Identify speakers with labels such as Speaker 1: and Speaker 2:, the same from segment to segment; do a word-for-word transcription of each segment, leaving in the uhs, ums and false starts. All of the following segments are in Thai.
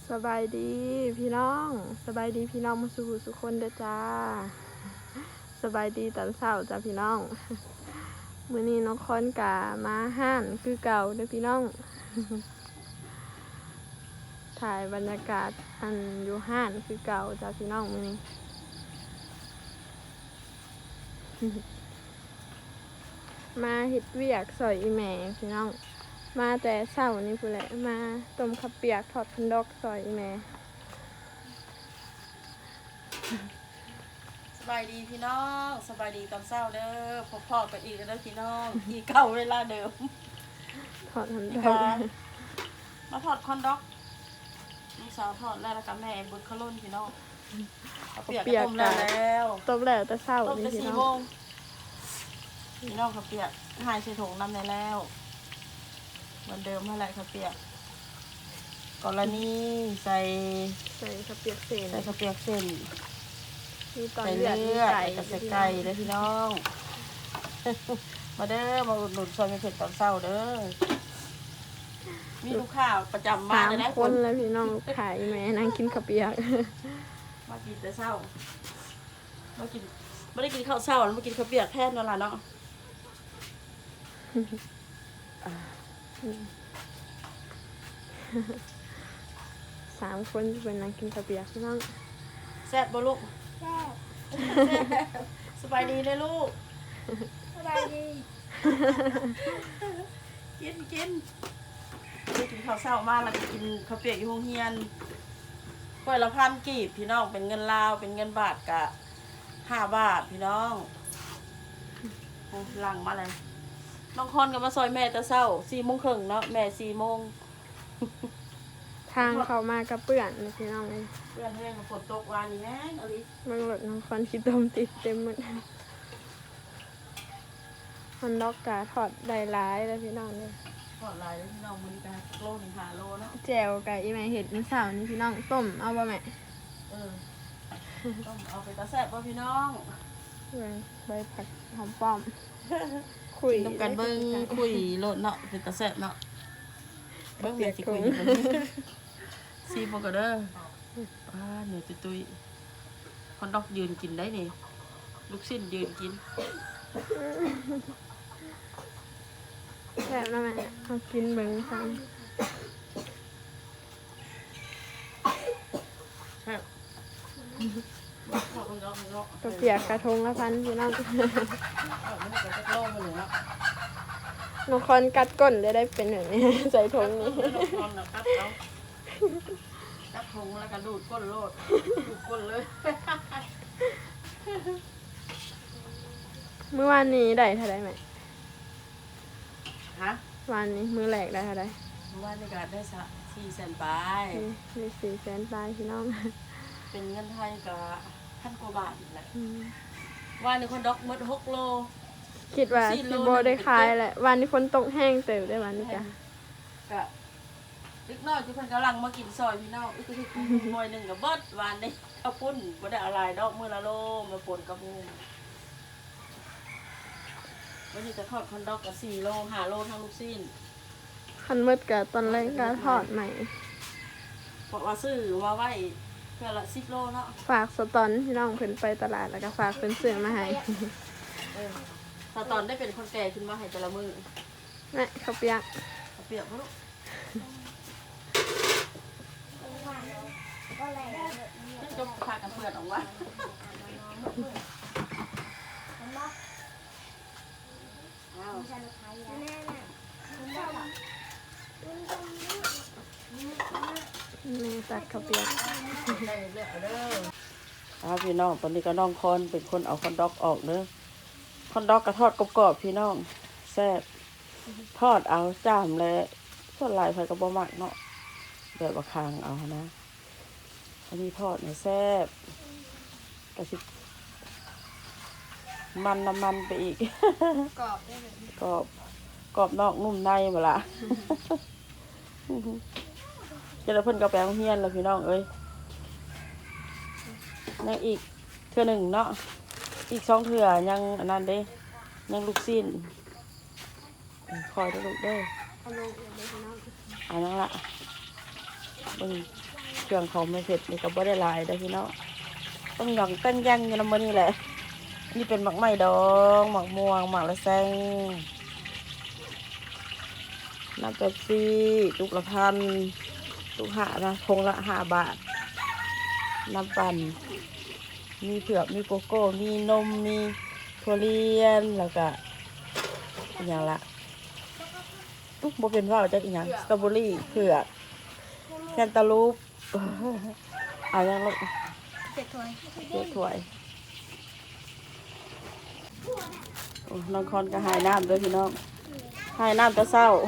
Speaker 1: สบายดีพี่น้องสบายดีพี่น้องมาสู่สุคนเด้อจ้าสบายดีตอนเช้าจ้าพี่น้องมื้อนี้น้องคอนกะมาห้านคือเก่าเด้อพี่น้องถ่ายบรรยากาศอันอยู่ห้านคือเก่าจ้าพี่น้องมื้อนี้มาเฮ็ดเวียกซอยอีแม่พี่น้องมาแต่เช้านี่พู้นแหละมาต้มข้าวเปียกทอดพันดอกซอยอีแม่
Speaker 2: สบายดีพี่น้องสบายดีตอนเช้าเด้อพบพ่อกันอีกแล้วเด้อพี่น้องอีกเก่าเวลาเดิม
Speaker 1: ทอดพันด
Speaker 2: มา
Speaker 1: อก
Speaker 2: มาทอดคอนด็อกลูกสาวทอดแล้วแล้วกับแม่บุญขลุ่นพี่น้องเขาเปียกก็ต้มแล้วแล้ว
Speaker 1: ต้มแล้วแต่เช้า
Speaker 2: ต้ม
Speaker 1: นี่
Speaker 2: จะ
Speaker 1: พี่
Speaker 2: สี่
Speaker 1: น้
Speaker 2: โม
Speaker 1: อง
Speaker 2: งพี่น้องเขาเปียกหายใส่ถุงน้ำในแล้วเหมือนเดิมเท่าไรเขาเปียกกรณีใส่
Speaker 1: ใส่ข้าวเปียกเส้น
Speaker 2: ใส่ข้าวเปียกเส้น
Speaker 1: มีตอน
Speaker 2: ใส่
Speaker 1: เลือด
Speaker 2: เลื
Speaker 1: มี
Speaker 2: อด
Speaker 1: ไก่
Speaker 2: กับใส่ไก่เลยพี่น้อง มาเด้อมาอุดหนุนซอยเผ็ดตอนเช้าเด้อมีลูกค้าประจำมา
Speaker 1: สาม
Speaker 2: เลยนะ
Speaker 1: คนแล้วพี่น้องขายแม่นั่งกินข้าวเปียก
Speaker 2: มากินแต่เช้ามากินไม่ได้กินข้าวเช้าแล้วมากินข้าวเปียกแทนนั่นแหละเนาะ
Speaker 1: สามคนเป็นนั่งกินข้าวเปียกพี่น้อง
Speaker 2: แซ่บบ่ลูก
Speaker 3: แซ่บ
Speaker 2: สบายดีเลยลูก
Speaker 3: สบายดี
Speaker 2: กินกินได้กินข้าวเช้ามาแล้วก็กินข้าวเปียกอยู่โรงเรียนถ้วยละพันกีบพี่น้องเป็นเงินลาวเป็นเงินบาทกะห้าบาทพี่น้องโอ้หลังมาเลยน้องคอนก็มาซอยแม่แต่เช้าสี่โมงครึ่งเนาะแม่สี่โมง
Speaker 1: ทางเขามากระเปื่อนเลยพี่น้องเลย
Speaker 2: เพื่อนเพื่อนฝนตกวานนี้แห้งอลิ
Speaker 1: เบิ่งรถน้องคอนขี้ต้มติดเต็มหมดฮอนดอกกาทอดได้หลายแล้วพี่น้องเลย
Speaker 2: ทอดลายแล้วพี่น้องมันกันโลหนึ่งหาโลเนาะ
Speaker 1: แจวกับอีแม่เห็ดมื้อเช้านี่พี่น้องต้มเอาบ่แม่
Speaker 2: เออต้องเอาไปตาแซ่บป่ะพี่น้อง
Speaker 1: ใบใบผักหอมป้อม คุย
Speaker 2: ต้องกันเบิ้งคุยโลดเนาะเป็นตาแซ่บเนาะเบิ้งเบียดสิคุยซีโปกเด้ออ่าเหนื่อยตุยๆคนดอกยืนกินได้นี่ลูกชิ้นยืนกิน
Speaker 1: แซ่บแล้วแม่เอากินเบิ่งซัง
Speaker 2: แซ่บขอบคุณดอกเนาะ
Speaker 1: ข้าวเปียกกระทงละพันพี่น้อง
Speaker 2: เอาไม่ได้ก็จะโล่มาเลยเนาะ
Speaker 1: น้องคอนกัดก้นเลยได้เป็นแบบนี้ ใส่ถุงนี้
Speaker 2: นอนกัดเอากัดทงแล้วก็ดูดก้นโลดดูดก้นเลย
Speaker 1: เมื่อวานนี้ได้เท่าไรไหม
Speaker 2: ฮะ
Speaker 1: วันนี้มือแหลกได้เท่าไร
Speaker 2: เมื่อวานในการได้สักสี่แสนไป
Speaker 1: นี่มีสี่แสนปลายพี่น้อง
Speaker 2: เป็นเงินไทยกับพันกว่าบาทอีกแหละ
Speaker 1: อืม
Speaker 2: ว่าในคนดอกหมดหกโล
Speaker 1: คิดว่า
Speaker 2: สี่โล
Speaker 1: สิโบได้ขายแหละวันนี้ฝนตกแห้งเติบได้วันนี้จ้ะ
Speaker 2: กะเล็กน้อยที่เพิ่นกำลังมากินซอยพี่น้องอีกทีหน่วยหนึ่งกับเบิดวานได้ข้าวปุ้นบ่ได้อะไรดอกมื้อละโลมาป่นกับหมูวันนี้จะทอดคอนดอกกับสี่โลห้าโลทั้งลูกชิ้น
Speaker 1: คันมืดกับตอนแรกก็ทอดใหม่
Speaker 2: เพราะว่าซื้อมาไว้เพื่อละสิบโลเนาะ
Speaker 1: ฝากสตอนพี่น้องเพิ่นไปตลาดแล้วก็ฝากเพิ่นซื้อมาให้
Speaker 2: เออถ้าตอนได้เป็นคนแก่ขึ้นมาให้แต่ละมื้อ
Speaker 1: แม่ข้าวเปียก
Speaker 2: เอาเปรียบบ่ลูก
Speaker 3: ก็แหลก
Speaker 2: นั่นก็พากันเปิดออกว่า
Speaker 3: มันบอก
Speaker 2: อ้าว
Speaker 3: มันจะขายแน่น่ะมันบอกมันต้อง
Speaker 1: แม่ตัดข้าวเปียก
Speaker 2: ได้เลือกเอาเด้อครับพี่น้องตอนนี้ก็น้องคอนเป็นคนเอาคอนดอกออกเด้อคอนดอกกระทอดกรอบๆพี่น้องแซ่บทอดเอาจ้ามและส่วนหลายไฟกระบอกมักเนาะแบบว่าคางเอานะอันนี้ทอดเนี่ยแซ่บกระชิบมันน้ำมันไปอีก
Speaker 1: กรอบได้เลย
Speaker 2: กรอบกรอบนอกนุ่มในหมดละ เจ้าเพิ่นก็แปลงเฮียนแล้วพี่น้องเอ้ยยังอีกเทื่อหนึ่งเนาะอีกสองเทื่อยังอันนั้นเด้ยังลูกสิ้นคอยได้ลูกเด้อ
Speaker 1: เอาลงเลยพี่น้อง
Speaker 2: อันนั้นละเบิ่งเครื่องของไม่เผ็ดนี่ก็บ่ได้หลายได้อพี่น้องต้องหย่องตั้งย่างอยู่นำมื้อนี้แหละนี่เป็นหมักไหม้ดองหมักม่วงหมักละแซงน้ำเป๊ปซี่ตุกละพันตุกห้านะพงละห้าบาทน้ำปั่นมีเผือกมีโกโก้มีนมมีถั่วเลียนแล้วก็อหย่างละอุ๊ยบ่เป็นว่าวจักอหย่างสตรอเบอรี่เผือกแคนตาลูป เอาอย่างลูก
Speaker 3: เจ็ดถ้วย
Speaker 2: เดี๋ยวถ้วยโอ้น้องคอนก็หายน้ำด้วยพี่น้องหายน้ำแตะเศร้า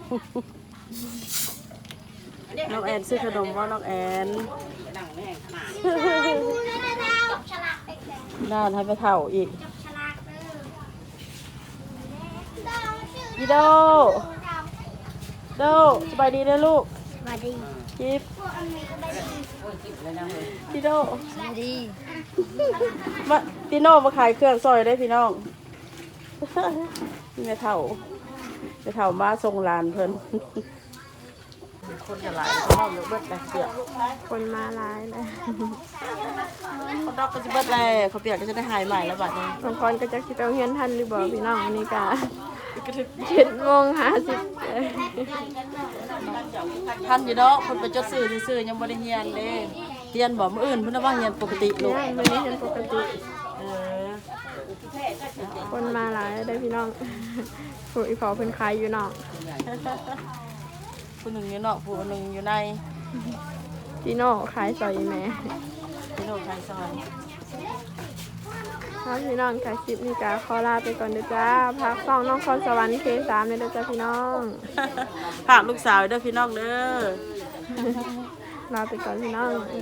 Speaker 2: น้องแอนซื้อขนมว่าน้องแอน
Speaker 3: จับฉลากไปแข่ง
Speaker 2: น่านให้ไปเท่าอีก
Speaker 3: จับฉลากเด้อ
Speaker 2: อีโดโดสบายดีนะลูก
Speaker 3: มาดี
Speaker 2: จิ๊บ
Speaker 3: พวกอันนี้ก็ได้ดี
Speaker 2: อีโด
Speaker 3: มาดี
Speaker 2: มาพี่น้องมาขายเครื่องซอยได้พี่น้อง นี่แม่เท่าแม่เท่ามาส่งหลานเพิ่น คนจะหลายเขาเยอะเบิดเลยเปียก
Speaker 1: คนมาหลายเลย
Speaker 2: คนดอกก็จะเบิดเลยเขาเปียกก็จะได้หายใหม่แล้วบัดนี้
Speaker 1: บางคนก็จะคิดเอาเฮียนทันหรือบ่พี่น้องอันนี้กะเจ็ดโมงห้าสิบ
Speaker 2: ท่านอยู่ดอกคนไปจดซื้อซื้อๆยังบ่ได้เฮียนเด้เฮียนบ่มื้ออื่นเพิ่นน่ะว่าเฮียนปกติลูก
Speaker 1: เนี่ยมื้อนี้เป็นปกติ
Speaker 2: เออ
Speaker 1: คนมาหลายได้พี่น้อง ผู้อีพอเพิ่นขายอยู่นอก
Speaker 2: ผู้หนึงอยู่นอกผู้หนึงอยู่ใน
Speaker 1: จีโน่ขายซอยอีแม่
Speaker 2: พี่น้องทางซอย
Speaker 1: ครับพี่น้องค่ะคลิปนี้ก็ขอลาไปก่อนเด้อจ้าพักฟังน้องคอนสวรรค์เคสามเลยเด้อจ้าพี่น้อง
Speaker 2: ฝากลูกสาวเด้อพี่น้องเด้อ
Speaker 1: ลาไปก่อนพี่น้อง